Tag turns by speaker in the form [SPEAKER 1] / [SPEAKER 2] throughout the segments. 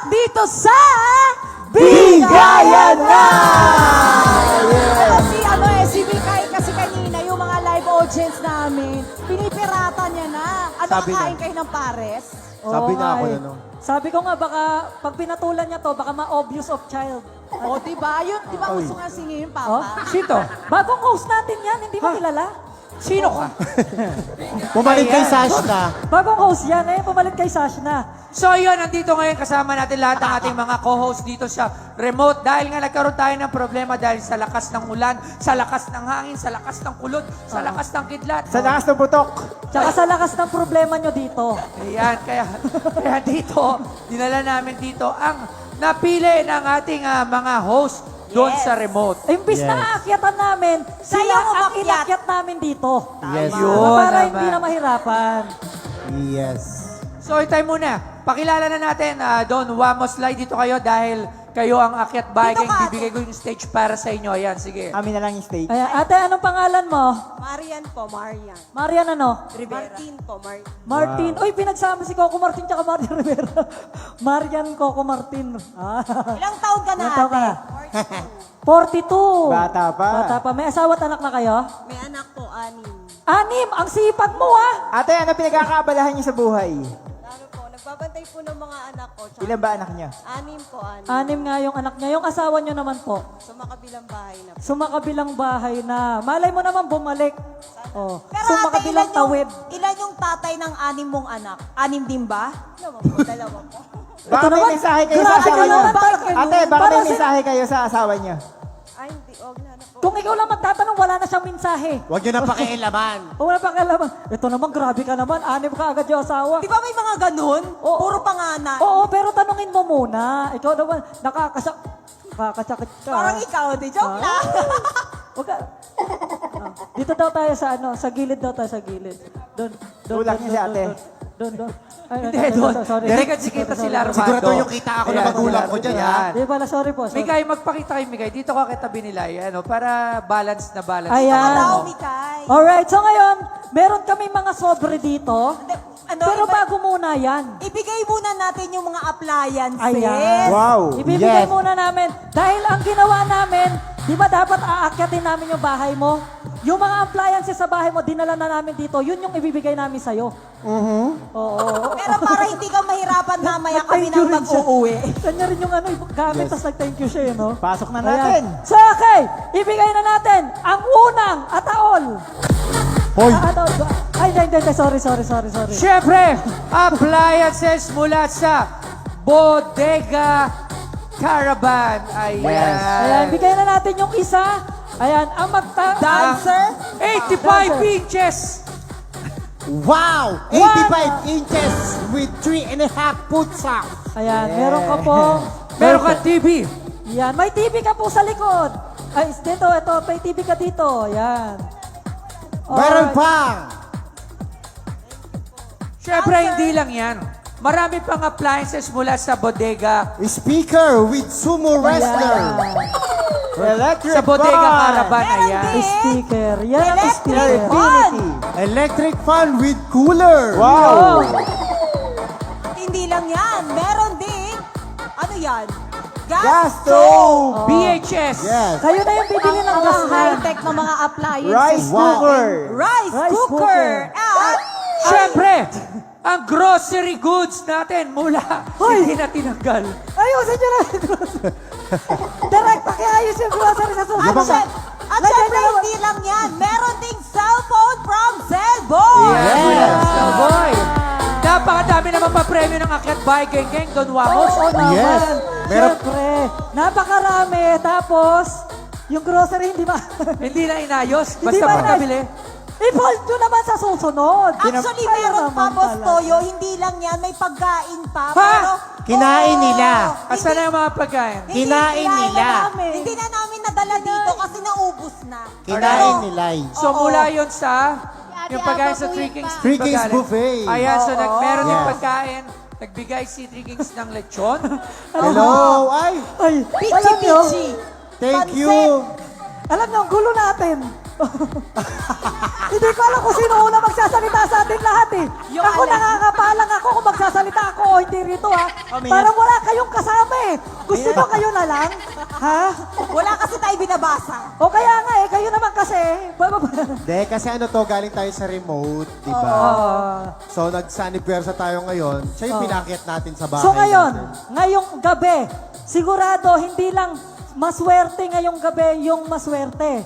[SPEAKER 1] dito sa
[SPEAKER 2] Bigayan na!
[SPEAKER 1] Si Bikay kasi kanina yung mga live audience namin, pinipirata niya na. Ano,
[SPEAKER 2] Sabi na.
[SPEAKER 1] kakain kayo ng pares?
[SPEAKER 2] Sabi
[SPEAKER 3] Oo
[SPEAKER 2] na ako
[SPEAKER 3] nga
[SPEAKER 2] na
[SPEAKER 3] eh.
[SPEAKER 2] no.
[SPEAKER 3] Sabi ko nga, baka pag pinatulan niya to, baka ma-obvious of child.
[SPEAKER 1] O, diba? Yun, diba
[SPEAKER 2] Oy.
[SPEAKER 1] gusto nga singin,
[SPEAKER 3] Oh?
[SPEAKER 1] Papa?
[SPEAKER 3] Sito? Bagong host natin yan, hindi mo kilala?
[SPEAKER 4] Sino ka?
[SPEAKER 2] Bumalik kay
[SPEAKER 4] Ayan.
[SPEAKER 2] Sash na.
[SPEAKER 3] Bagong host yan, eh, pumalit kay Sash na.
[SPEAKER 4] So yun, nandito ngayon kasama natin lahat ng ating mga co-host dito sa remote dahil nga nagkaroon tayo ng problema dahil sa lakas ng ulan, sa lakas ng hangin, sa lakas ng kulot, sa lakas ng kidlat.
[SPEAKER 2] Sa lakas ng butok.
[SPEAKER 3] Tsaka sa lakas ng problema nyo dito.
[SPEAKER 4] Ayan, kaya dito, dinala namin dito ang napili ng ating mga host doon
[SPEAKER 1] Yes.
[SPEAKER 4] sa remote.
[SPEAKER 3] Imbis
[SPEAKER 2] Yes.
[SPEAKER 3] na aakyatan namin, sila
[SPEAKER 1] Sayang
[SPEAKER 3] ang
[SPEAKER 1] umakyat.
[SPEAKER 3] inakyat namin dito.
[SPEAKER 2] Yes.
[SPEAKER 4] Yun
[SPEAKER 3] Para
[SPEAKER 4] naman.
[SPEAKER 3] hindi na mahirapan.
[SPEAKER 2] Yes.
[SPEAKER 4] So, itay muna. Pakilala na natin, Don Wamos, slide dito kayo dahil kayo ang akyat bahay.
[SPEAKER 1] Dito ka,
[SPEAKER 4] Bibigay ko yung stage para sa inyo. Ayan, sige.
[SPEAKER 2] Amin na lang yung stage.
[SPEAKER 3] Ayan, ate, anong pangalan mo?
[SPEAKER 1] Marian po, Marian.
[SPEAKER 3] Marian ano?
[SPEAKER 1] Martin po, Martin.
[SPEAKER 3] Martin. Uy, pinagsama si Coco Martin tsaka Marian Rivera. Marian Coco Martin. Ah.
[SPEAKER 1] Ilang taon ka na,
[SPEAKER 3] Ilang taon ka
[SPEAKER 1] ate?
[SPEAKER 3] na? 42.
[SPEAKER 2] Bata pa.
[SPEAKER 3] Bata pa. May asawa at anak na kayo?
[SPEAKER 1] May anak po, anim.
[SPEAKER 3] 6. Ang sipag mo ah.
[SPEAKER 2] Ate, ano pinagkakaabalahan niyo sa buhay?
[SPEAKER 1] Ano po, nagbabantay po ng mga anak ko. Tsaka
[SPEAKER 2] Ilan ba anak niya?
[SPEAKER 1] anim po, anim.
[SPEAKER 3] 6 nga yung anak niya. Yung asawa niyo naman po.
[SPEAKER 1] Sa makabilang bahay na po.
[SPEAKER 3] Sumakabilang bahay na. Malay mo naman bumalik. Oh.
[SPEAKER 1] Pero ate,
[SPEAKER 3] Sumakabilang tawid.
[SPEAKER 1] ilan yung tatay ng anim mong anak? Anim din ba? Dalawa po, dalawa po.
[SPEAKER 2] Baka
[SPEAKER 3] Ito
[SPEAKER 2] may
[SPEAKER 3] naman,
[SPEAKER 2] mensahe kayo sa
[SPEAKER 3] grabe
[SPEAKER 2] asawa
[SPEAKER 3] ka
[SPEAKER 2] niyo.
[SPEAKER 3] naman, bakit ganun?
[SPEAKER 2] Ate, baka
[SPEAKER 3] Para
[SPEAKER 2] may
[SPEAKER 3] sa-
[SPEAKER 2] mensahe kayo sa asawa niyo.
[SPEAKER 1] Ay, hindi, huwag na po.
[SPEAKER 3] Kung ikaw lang magtatanong, wala na siyang mensahe.
[SPEAKER 2] Huwag niyo na pakialaman.
[SPEAKER 3] O wala pang kalaman. Ito naman, grabe ka naman. 6 ka agad yung asawa.
[SPEAKER 1] Di ba may mga ganun?
[SPEAKER 3] Oo.
[SPEAKER 1] Puro panganak.
[SPEAKER 3] Oo, pero tanungin mo muna. Ikaw naman, nakakasakit ka.
[SPEAKER 1] Parang ikaw, di joke lang.
[SPEAKER 3] Huwag ka. Ah, dito daw tayo sa sa gilid daw tayo sa gilid. Doon.
[SPEAKER 2] Tulak niya si ate.
[SPEAKER 3] Doon. Ay,
[SPEAKER 4] Hindi, Don.
[SPEAKER 3] sorry.
[SPEAKER 4] Direct si kita sila, Armando.
[SPEAKER 2] Sigurado yung kita ako na magulang ko dyan, ha?
[SPEAKER 3] Di pala, sorry po. Sorry.
[SPEAKER 4] Migay, magpakita kayo, Migay. Dito ka kitabi nila, ano, para balance na balance.
[SPEAKER 3] Ayan.
[SPEAKER 1] Daw, Mikay.
[SPEAKER 3] Alright, so ngayon, meron kami mga sobre dito.
[SPEAKER 1] Ano,
[SPEAKER 3] Pero
[SPEAKER 1] iba-
[SPEAKER 3] bago muna yan.
[SPEAKER 1] Ibigay muna natin yung mga appliances.
[SPEAKER 3] Ayan.
[SPEAKER 2] Wow.
[SPEAKER 3] Ibibigay
[SPEAKER 2] Yes.
[SPEAKER 3] muna namin. Dahil ang ginawa namin, di ba dapat aakyatin namin yung bahay mo? Yung mga appliances sa bahay mo, dinala na namin dito. Yun yung ibibigay namin sa'yo. Oo.
[SPEAKER 1] Pero para hindi ka mahirapan mamaya kami
[SPEAKER 3] Nag-thank you
[SPEAKER 1] nang
[SPEAKER 3] rin siya.
[SPEAKER 1] mag-uuwi.
[SPEAKER 3] Kanya rin yung ano, gamit,
[SPEAKER 2] Yes.
[SPEAKER 3] tapos nag-thank you siya, no?
[SPEAKER 2] Pasok na
[SPEAKER 3] Ayan.
[SPEAKER 2] natin.
[SPEAKER 3] So, okay. Ibigay na natin ang unang ataol.
[SPEAKER 2] Hoy.
[SPEAKER 3] Ataol. Ay, hindi. Sorry.
[SPEAKER 4] Siyempre, appliances mula sa Bodega Caravan. Ayan.
[SPEAKER 2] Yes.
[SPEAKER 3] Ayan, bigay na natin yung isa. Ayan, ang
[SPEAKER 1] Dancer?
[SPEAKER 4] 85 inches.
[SPEAKER 2] Wow! 85 inches with 3.5 putsa.
[SPEAKER 3] Ayan, meron ka po.
[SPEAKER 4] Meron ka TV.
[SPEAKER 3] Yan, may TV ka po sa likod. Ay, dito, ito, may TV ka dito. Yan.
[SPEAKER 2] Meron pa!
[SPEAKER 4] Siyempre, hindi lang yan. Marami pang appliances mula sa Bodega.
[SPEAKER 2] Speaker with sumo wrestler. Electric
[SPEAKER 4] Sa Bodega
[SPEAKER 2] fan.
[SPEAKER 4] Caravan.
[SPEAKER 1] Meron
[SPEAKER 4] Ayan.
[SPEAKER 1] din.
[SPEAKER 3] Sticker. Yan ang
[SPEAKER 1] Electric
[SPEAKER 3] sticker.
[SPEAKER 1] fan.
[SPEAKER 2] Electric fan with cooler.
[SPEAKER 3] Oh.
[SPEAKER 2] Wow!
[SPEAKER 1] Hindi lang yan. Meron din. Ano yan?
[SPEAKER 2] Gas stove.
[SPEAKER 4] BHS.
[SPEAKER 2] Yes.
[SPEAKER 3] Kayo na yung bibili ng gas na.
[SPEAKER 1] high-tech na mga appliances.
[SPEAKER 2] Rice cooker.
[SPEAKER 1] Rice,
[SPEAKER 3] Rice
[SPEAKER 1] cooker.
[SPEAKER 3] cooker.
[SPEAKER 1] At
[SPEAKER 4] Siyempre, ang grocery goods natin mula hindi na tinanggal.
[SPEAKER 3] Ayusin nyo na. Direct, pakiayos yung grocery sa susunod.
[SPEAKER 1] at
[SPEAKER 3] Lagyan
[SPEAKER 1] syempre,
[SPEAKER 3] nyo naman.
[SPEAKER 1] hindi lang yan. Meron ding cellphone from Cellboy.
[SPEAKER 4] Yes.
[SPEAKER 2] Yes.
[SPEAKER 4] Boy. Napakadami naman pa premyo ng Akyat Bahay Geng Don Wamos.
[SPEAKER 3] Oo naman.
[SPEAKER 2] Yes. Meron-
[SPEAKER 3] Siyempre, napakarami. Tapos, yung grocery hindi ma...
[SPEAKER 4] Hindi na inayos.
[SPEAKER 3] Hindi
[SPEAKER 4] Basta
[SPEAKER 3] ba
[SPEAKER 4] pagkabili.
[SPEAKER 3] I-fold nyo naman sa susunod.
[SPEAKER 1] Actually,
[SPEAKER 3] Kayo
[SPEAKER 1] meron pa,
[SPEAKER 3] naman
[SPEAKER 1] Boss
[SPEAKER 3] pala.
[SPEAKER 1] Toyo. Hindi lang yan. May pagkain pa.
[SPEAKER 4] Ha?
[SPEAKER 1] Pero,
[SPEAKER 2] Kinain
[SPEAKER 1] Oo.
[SPEAKER 2] nila.
[SPEAKER 4] Asan na yung mga pagkain?
[SPEAKER 1] Hindi,
[SPEAKER 2] Kinain nila.
[SPEAKER 3] namin.
[SPEAKER 1] Hindi na namin nadala dito kasi naubos na.
[SPEAKER 2] Kinain nila.
[SPEAKER 4] So
[SPEAKER 1] Oo.
[SPEAKER 4] mula yun sa yung pagkain sa
[SPEAKER 1] Ate
[SPEAKER 4] Three
[SPEAKER 1] Aba
[SPEAKER 4] Kings.
[SPEAKER 1] po
[SPEAKER 2] Three Kings
[SPEAKER 4] pagkain.
[SPEAKER 2] buffet.
[SPEAKER 4] Ayan, so meron din
[SPEAKER 2] Yes.
[SPEAKER 4] pagkain. Nagbigay si Three Kings ng lechon.
[SPEAKER 2] Hello. Ay,
[SPEAKER 3] Ay, alam nyo,
[SPEAKER 1] Pichi-pichi.
[SPEAKER 2] thank
[SPEAKER 1] Pansit.
[SPEAKER 2] you.
[SPEAKER 3] alam nyo, ang gulo natin. Hindi ko alam kung sino una magsasalita sa ating lahat eh.
[SPEAKER 1] Yung
[SPEAKER 3] Ako
[SPEAKER 1] alam.
[SPEAKER 3] nakakapalang ako kung magsasalita ako o hindi rito ha.
[SPEAKER 2] Kami
[SPEAKER 3] Parang wala kayong kasama eh. Gusto nyo kayo na lang? Ha?
[SPEAKER 1] Wala kasi tayo binabasa.
[SPEAKER 3] O kaya nga eh, kayo naman kasi.
[SPEAKER 2] Hindi, kasi ano to, galing tayo sa remote, di ba? So, nagsanipuwersa tayo ngayon. Siya yung pinakyat natin sa bahay
[SPEAKER 3] So ngayon,
[SPEAKER 2] natin.
[SPEAKER 3] ngayong gabi, sigurado hindi lang maswerte ngayong gabi yung maswerte.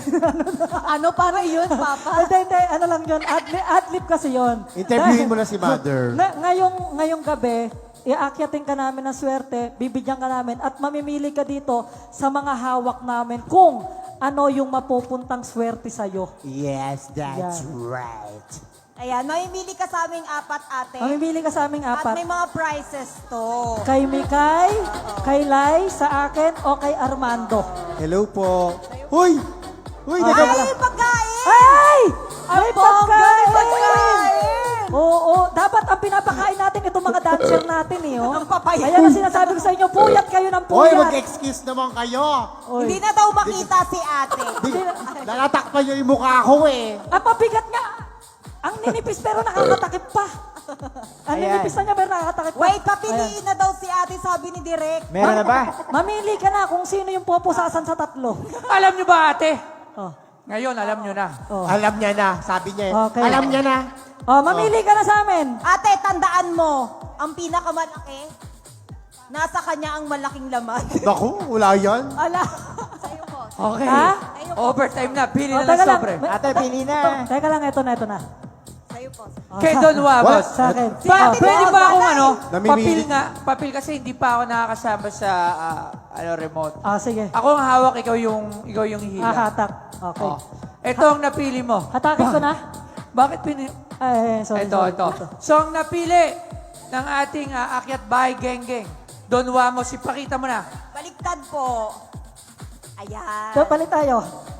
[SPEAKER 1] Ano para yun, Papa?
[SPEAKER 3] Hindi, ano lang yun, adlib kasi yun.
[SPEAKER 2] Interviewin mo na si Mother.
[SPEAKER 3] Ngayong gabi, iaakyatin ka namin ng swerte, bibigyan ka namin, at mamimili ka dito sa mga hawak namin kung ano yung mapupuntang swerte sa'yo.
[SPEAKER 2] Yes, that's
[SPEAKER 3] Yan.
[SPEAKER 2] right.
[SPEAKER 1] Ayan, mamimili ka sa aming apat, ate.
[SPEAKER 3] Mamimili ka sa aming
[SPEAKER 1] At
[SPEAKER 3] apat.
[SPEAKER 1] may mga prizes to.
[SPEAKER 3] Kay Mikay, kay Lai, sa akin, o kay Armando.
[SPEAKER 2] Hello po. Huy! Huy,
[SPEAKER 1] Ay,
[SPEAKER 2] nagka-
[SPEAKER 1] pagkain!
[SPEAKER 3] Ay! May
[SPEAKER 1] bongga, may
[SPEAKER 3] pagkain!
[SPEAKER 1] pagkain!
[SPEAKER 3] Oo, dapat ang pinapakain natin itong mga dancer natin eh. Oh.
[SPEAKER 1] Ang papayat.
[SPEAKER 3] Ayan ang sinasabi ko sa inyo, puyat kayo ng
[SPEAKER 2] Hoy,
[SPEAKER 3] puyat.
[SPEAKER 2] mag-excuse naman kayo.
[SPEAKER 3] Oy.
[SPEAKER 1] Hindi na daw makita si ate.
[SPEAKER 2] Nalatakpan niyo yung mukha ko eh.
[SPEAKER 3] Ang mabigat nga. Ang ninipis pero nakakatakip pa. Ang ninipis na niya pero nakakatakip pa.
[SPEAKER 1] Wait, papiliin na daw si ate, sabi ni Direk.
[SPEAKER 2] Meron na ba?
[SPEAKER 3] Mamili ka na kung sino yung pupusasan sa tatlo.
[SPEAKER 4] Alam nyo ba, ate?
[SPEAKER 3] Oh.
[SPEAKER 4] Ngayon, alam nyo na.
[SPEAKER 3] Oh.
[SPEAKER 2] Alam niya na, sabi niya eh.
[SPEAKER 3] Okay.
[SPEAKER 2] Alam niya na.
[SPEAKER 3] Oh, mamili ka na sa amin.
[SPEAKER 1] Ate, tandaan mo, ang pinakamalaki, nasa kanya ang malaking laman.
[SPEAKER 2] Naku, wala yan.
[SPEAKER 1] Ala. Sa'yo po.
[SPEAKER 4] Okay.
[SPEAKER 3] Ha?
[SPEAKER 4] Overtime na. Pili
[SPEAKER 3] Oh,
[SPEAKER 4] na ng
[SPEAKER 3] teka lang.
[SPEAKER 4] sobre.
[SPEAKER 2] Ate, pili na.
[SPEAKER 3] Teka lang, ito na.
[SPEAKER 1] Sa'yo po.
[SPEAKER 3] Oh,
[SPEAKER 4] Kay Don Wamos.
[SPEAKER 3] Sa akin.
[SPEAKER 1] Si Ate
[SPEAKER 4] Pwede
[SPEAKER 1] Don,
[SPEAKER 4] ba akong
[SPEAKER 1] bagay.
[SPEAKER 4] ano?
[SPEAKER 2] Namimili.
[SPEAKER 4] Papil kasi hindi pa ako nakakasama sa remote.
[SPEAKER 3] Ah, sige.
[SPEAKER 4] Ako ang hawak, ikaw yung hihila.
[SPEAKER 3] Hatak. Okay.
[SPEAKER 4] Oh. Ito ang napili mo.
[SPEAKER 3] Hatakin ko na.
[SPEAKER 4] Bakit pini...
[SPEAKER 3] Ay, sorry.
[SPEAKER 4] Ito,
[SPEAKER 3] sorry.
[SPEAKER 4] ito. So, ang napili ng ating Akyat Bahay Geng-Geng, Don Wamos, ipakita mo na.
[SPEAKER 1] Baliktad po. Ayan.
[SPEAKER 3] So, palit tayo.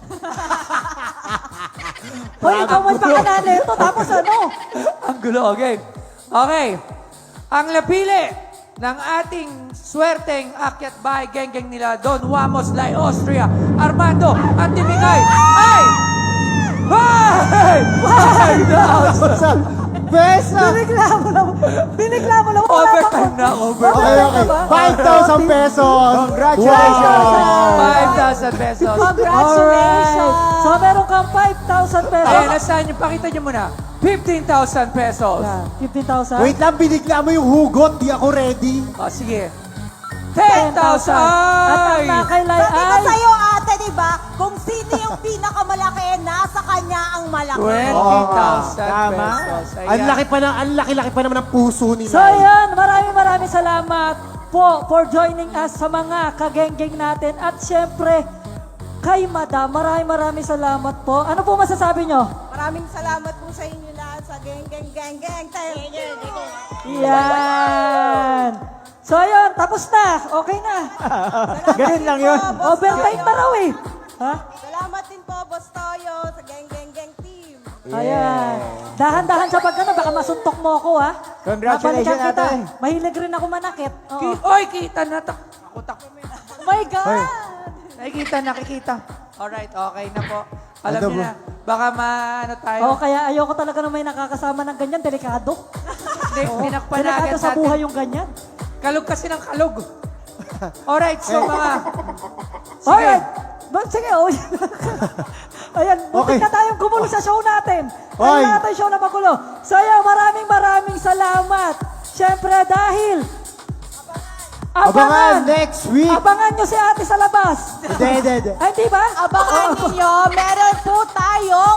[SPEAKER 3] Hoy, ikaw may pakanali ito. Tapos ano?
[SPEAKER 4] Ang gulo, okay. Okay. Ang napili ng ating swerteng Akyat Bahay Geng-Geng nila, Don Wamos, Lai Austria, Armando, at Timikay, ay... Hey! 5,000!
[SPEAKER 2] Besa!
[SPEAKER 3] Binigla mo lang. Wala
[SPEAKER 4] Overtime
[SPEAKER 3] pa-
[SPEAKER 4] na, overtime.
[SPEAKER 2] Okay, okay. 5,000 pesos!
[SPEAKER 3] Congratulations!
[SPEAKER 2] Wow!
[SPEAKER 4] 5,000 pesos.
[SPEAKER 1] Congratulations!
[SPEAKER 3] Alright. So, meron kang 5,000 pesos.
[SPEAKER 4] Ayan, nasaan nyo? Pakita nyo muna. 15,000 pesos.
[SPEAKER 3] Yan, 15,000.
[SPEAKER 2] Wait lang, binigla mo yung hugot. Di ako ready.
[SPEAKER 4] O, sige. 10,000!
[SPEAKER 3] At ang nakailay
[SPEAKER 1] Sabi ko
[SPEAKER 3] ay...
[SPEAKER 1] sa'yo, ate, di ba? Kung sino yung pinakamalaki, nasa kanya ang malaki.
[SPEAKER 4] 20,000
[SPEAKER 2] Tama.
[SPEAKER 4] pesos. Ayan.
[SPEAKER 2] Ang laki pa naman ng puso nila.
[SPEAKER 3] So, yan. Maraming salamat po for joining us sa mga kageng-geng natin. At syempre, kay Madam, maraming salamat po. Ano po masasabi nyo?
[SPEAKER 1] Maraming salamat po sa inyo lahat sa geng. Thank you.
[SPEAKER 3] Yan. So, ayun. Tapos na. Okay na.
[SPEAKER 2] Ganun lang yun.
[SPEAKER 3] Overtime na raw eh. Ha?
[SPEAKER 1] Salamat din po, Boss Toyo, sa geng team.
[SPEAKER 3] Ayan. Dahan-dahan sa pagkano, baka masuntok mo ako, ha?
[SPEAKER 2] Congratulations,
[SPEAKER 3] Mabalikan kita.
[SPEAKER 2] ate.
[SPEAKER 3] Mahilig rin ako manakit. Oo.
[SPEAKER 4] Oy, kita na.
[SPEAKER 3] Oh my God!
[SPEAKER 4] Nakikita. Alright, okay na po. Alam
[SPEAKER 2] Ano
[SPEAKER 4] niyo
[SPEAKER 2] ba?
[SPEAKER 4] na. Baka maano tayo.
[SPEAKER 3] Oo, kaya ayoko talaga na may nakakasama ng ganyan. Delikado.
[SPEAKER 4] Hindi, tinakpan na
[SPEAKER 3] Delikado
[SPEAKER 4] agad
[SPEAKER 3] sa
[SPEAKER 4] natin.
[SPEAKER 3] buhay yung ganyan.
[SPEAKER 4] Kalog kasi ng kalog. Alright, so mga... Sige.
[SPEAKER 3] Alright. Sige, oh. Ayan,
[SPEAKER 2] Okay.
[SPEAKER 3] muntik na tayong gumulo sa show natin.
[SPEAKER 2] Hoy.
[SPEAKER 3] Ayun natin show na magulo. So, ayan, maraming salamat. Siyempre, dahil...
[SPEAKER 2] Abangan next week.
[SPEAKER 3] Abangan nyo si ate sa labas.
[SPEAKER 2] Hindi.
[SPEAKER 3] Ay, di ba?
[SPEAKER 1] Abangan
[SPEAKER 3] Oo.
[SPEAKER 1] ninyo, meron po tayong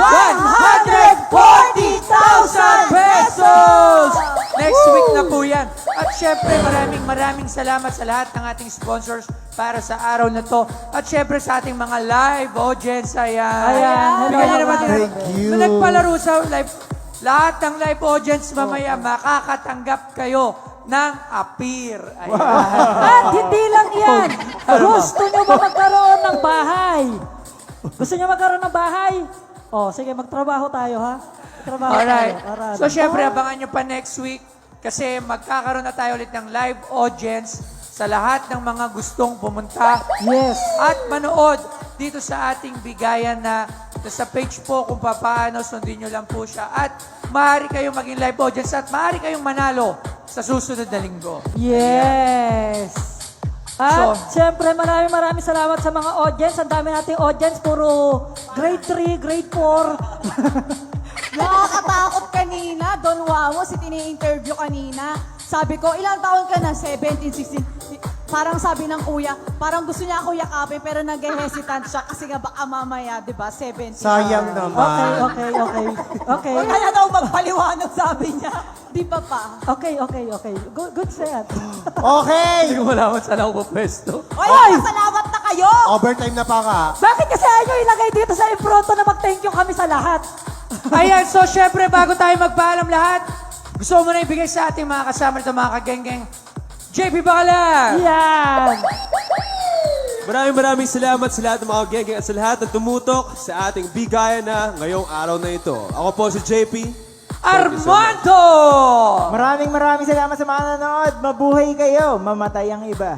[SPEAKER 4] 140,000 pesos! Next week na po yan. At syempre, maraming salamat sa lahat ng ating sponsors para sa araw na to. At syempre sa ating mga live audience. Ayan.
[SPEAKER 3] Ayan.
[SPEAKER 4] Bigyan niyo naman
[SPEAKER 2] Thank you.
[SPEAKER 4] Nung nagpalaro sa live, lahat ng live audience mamaya makakatanggap kayo ng appear. Ayan.
[SPEAKER 3] At hindi lang yan. Gusto nyo ba magkaroon ng bahay? Gusto nyo magkaroon ng bahay? Oh, sige, magtrabaho tayo, ha? Magtrabaho
[SPEAKER 4] Alright.
[SPEAKER 3] tayo. Alright.
[SPEAKER 4] So, syempre, abangan nyo pa next week kasi magkakaroon na tayo ulit ng live audience sa lahat ng mga gustong pumunta
[SPEAKER 3] Yes.
[SPEAKER 4] at manood dito sa ating bigayan na sa page po kung paano, sundin nyo lang po siya. At maaari kayong maging live audience at maaari kayong manalo sa susunod na linggo.
[SPEAKER 3] Yes! At
[SPEAKER 4] So-
[SPEAKER 3] syempre, maraming salamat sa mga audience. Ang dami nating audience, puro grade 3, grade 4.
[SPEAKER 1] Nakakatakot kanina. Don Wamos, si tini-interview kanina. Sabi ko, ilang taon ka na? 17, 16. Parang sabi ng kuya, parang gusto niya ako yakapin pero nag-hesitant siya kasi nga baka mamaya, di ba, 17.
[SPEAKER 2] Sayang naman.
[SPEAKER 3] Okay.
[SPEAKER 1] O kaya daw magpaliwanag, sabi niya. Di ba pa?
[SPEAKER 3] Okay. Good set.
[SPEAKER 2] Okay!
[SPEAKER 4] Hindi ko malaman saan ako pwesto.
[SPEAKER 1] Oy, salamat na kayo!
[SPEAKER 2] Overtime na pa ka.
[SPEAKER 3] Bakit kasi ayaw nyo ilagay dito sa impronto na mag-thank you kami sa lahat?
[SPEAKER 4] Ayan, so syempre bago tayo magpaalam lahat, gusto mo na ibigay sa ating mga kasama nito, mga kageng-geng. JP Bacala!
[SPEAKER 3] Yan!
[SPEAKER 5] Maraming salamat sa lahat ng mga geng-geng at sa lahat ng tumutok sa ating bigayan na ngayong araw na ito. Ako po si JP.
[SPEAKER 4] Armando!
[SPEAKER 6] Maraming salamat sa mga nanonood. Mabuhay kayo, mamatay ang iba.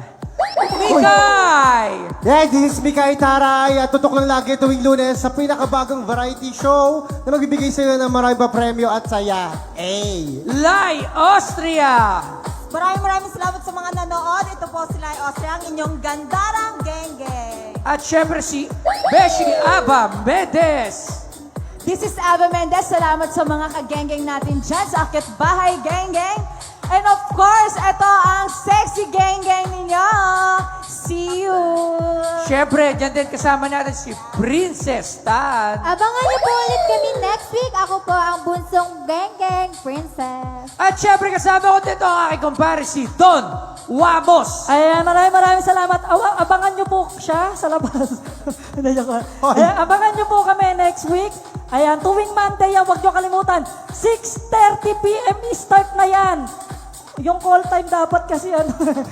[SPEAKER 4] Mikay!
[SPEAKER 2] Yes, this is Mikay Taray at tutok lang lagi tuwing Lunes sa pinakabagong variety show na magbibigay sa iyo ng maraming pa premyo at saya.
[SPEAKER 4] Lai Austria!
[SPEAKER 1] Maraming salamat sa mga nanood. Ito po sila ay Austria, ang inyong gandarang geng-geng.
[SPEAKER 4] At syempre si Beshi Aba Medes!
[SPEAKER 1] This is Ava Mendez. Salamat sa mga kageng-geng natin dyan sa Akit Bahay Geng-geng. And of course, ito ang sexy geng-geng ninyo. See you!
[SPEAKER 4] Syempre, dyan din kasama natin si Princess Tan.
[SPEAKER 7] Abangan niyo po ulit kami next week. Ako po ang bunsong geng-geng princess.
[SPEAKER 4] At syempre kasama ko dito ang aking kumpare si Don Wamos.
[SPEAKER 3] Ayan, maraming salamat. Abangan nyo po siya sa labas. Hindi, joke lang. Ayan, abangan nyo po kami next week. Ayan, tuwing Monday yan, huwag nyo kalimutan. 6:30 p.m. start na yan. Yung call time dapat kasi ano.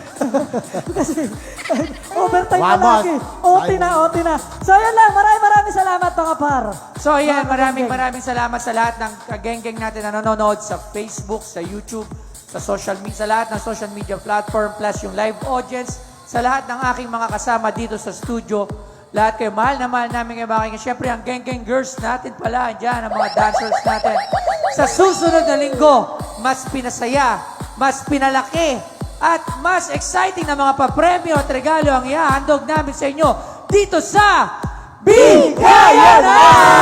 [SPEAKER 3] kasi overtime na
[SPEAKER 2] Wamos.
[SPEAKER 3] lagi. OT na. So yan lang, maraming salamat mga par.
[SPEAKER 4] So yan,
[SPEAKER 3] Mga
[SPEAKER 4] maraming
[SPEAKER 3] kageng-geng.
[SPEAKER 4] salamat sa lahat ng kageng-geng natin na nanonood sa Facebook, sa YouTube, sa social media, sa lahat ng social media platform, plus yung live audience, sa lahat ng aking mga kasama dito sa studio. Lahat kayo, mahal na mahal namin kayo mga kageng. Siyempre, ang geng-geng girls natin pala, andyan, ang mga dancers natin. Sa susunod na linggo, mas pinasaya, mas pinalaki, at mas exciting na mga papremyo at regalo ang ihahandog namin sa inyo dito sa Bigayan na!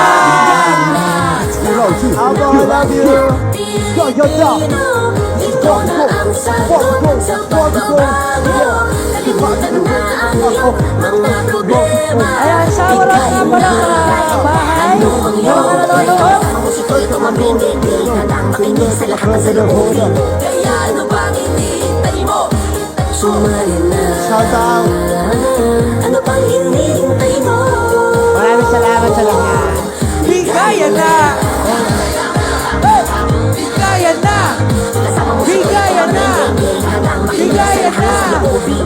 [SPEAKER 6] Abo, love you.
[SPEAKER 8] Ito na ang sagot sa pagbabago. Kalimutan na ang iyong mga problema.
[SPEAKER 3] Ayan, shower out nga pala sa bahay. Yung mga nanonood.
[SPEAKER 8] Ang musiko'y tumabingin, di ka lang makinig sa lahat ng saloobin. Kaya ano bang hinihintay mo? Sumali na.
[SPEAKER 2] Shout out!
[SPEAKER 8] Ano bang hinihintay mo?
[SPEAKER 6] Maraming salamat sa lahat.
[SPEAKER 4] Bigayan na! Bigayan na! Bigayan na! Bigayan na!